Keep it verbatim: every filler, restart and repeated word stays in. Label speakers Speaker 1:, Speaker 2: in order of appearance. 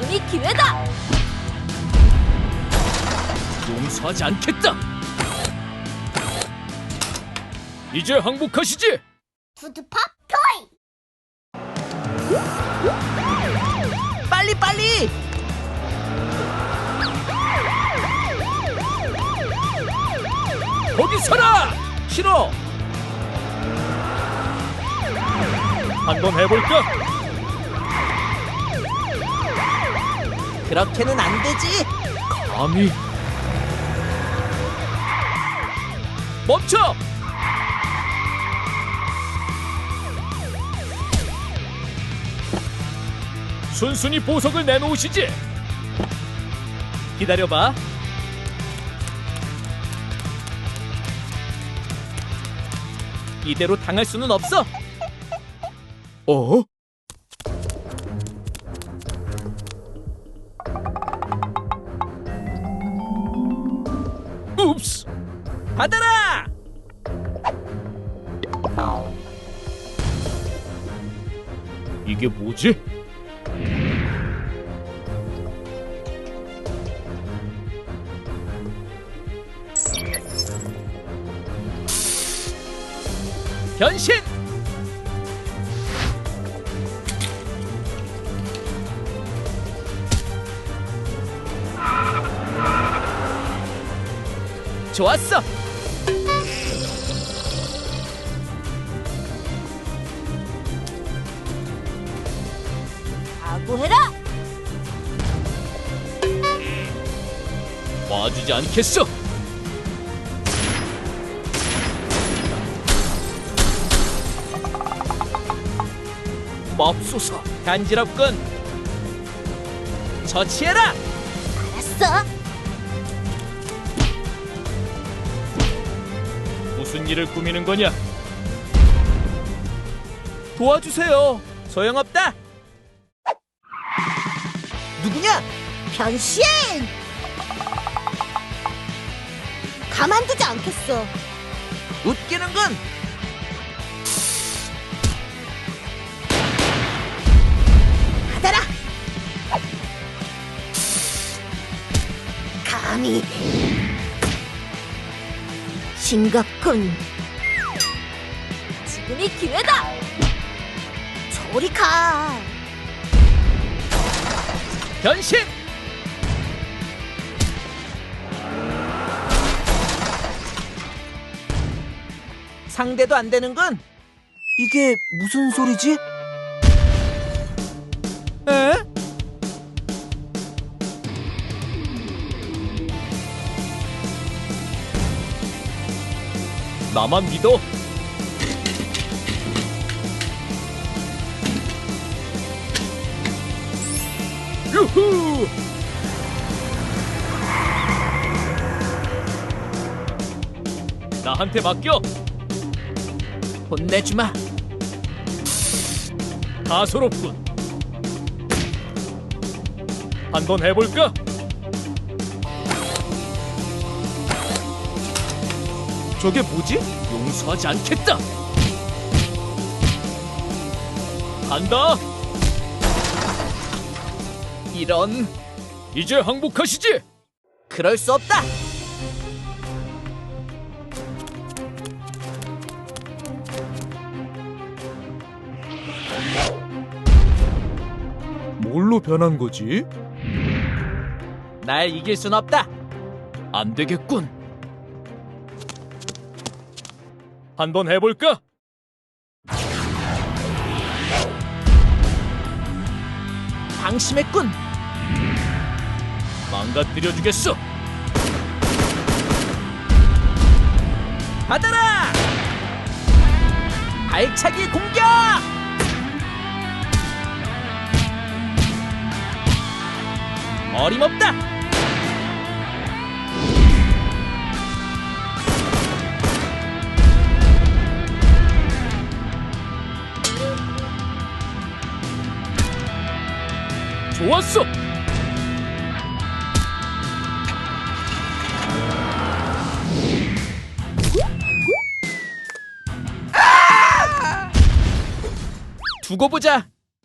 Speaker 1: 지금이 기회다!
Speaker 2: 용서하지 않겠다! 이제 항복하시지!
Speaker 3: 푸드팝 토이!
Speaker 4: 빨리 빨리!
Speaker 2: 거기 서라! 싫어! 한번 해볼까?
Speaker 4: 그렇게는 안 되지.
Speaker 2: 감히 멈춰! 순순히 보석을 내놓으시지! 기다려봐. 이대로 당할 수는 없어. 어? 읍스!
Speaker 4: 받아라!
Speaker 2: 이게 뭐지? 변신!
Speaker 4: 좋았어.
Speaker 1: 각오해라!
Speaker 2: 봐주지 않겠어! 맙소사!
Speaker 4: 간지럽군. 처치해라.
Speaker 1: 알았어!
Speaker 2: 무슨 일을 꾸미는 거냐?
Speaker 4: 도와주세요. 소용없다. 누구냐?
Speaker 3: 변신! 가만두지 않겠어.
Speaker 4: 웃기는군.
Speaker 3: 받아라! 감히 싱겁군.
Speaker 1: 지금이 기회다!
Speaker 3: 저리 가.
Speaker 4: 변신. 상대도 안 되는군. 이게 무슨 소리지? 에?
Speaker 2: 나만 믿어! 유후! 나한테 맡겨!
Speaker 4: 혼내주마.
Speaker 2: 다소롭군. 한번 해볼까?
Speaker 4: 저게 뭐지?
Speaker 2: 용서하지 않겠다! 간다!
Speaker 4: 이런.
Speaker 2: 이제 항복하시지!
Speaker 4: 그럴 수 없다.
Speaker 2: 뭘로 변한 거지?
Speaker 4: 날 이길 순 없다.
Speaker 2: 안 되겠군. 한번 해볼까?
Speaker 4: 방심했군.
Speaker 2: 망가뜨려 주겠어.
Speaker 4: 받아라. 발차기 공격. 어림없다.
Speaker 2: 좋았어.
Speaker 4: 두고 보자.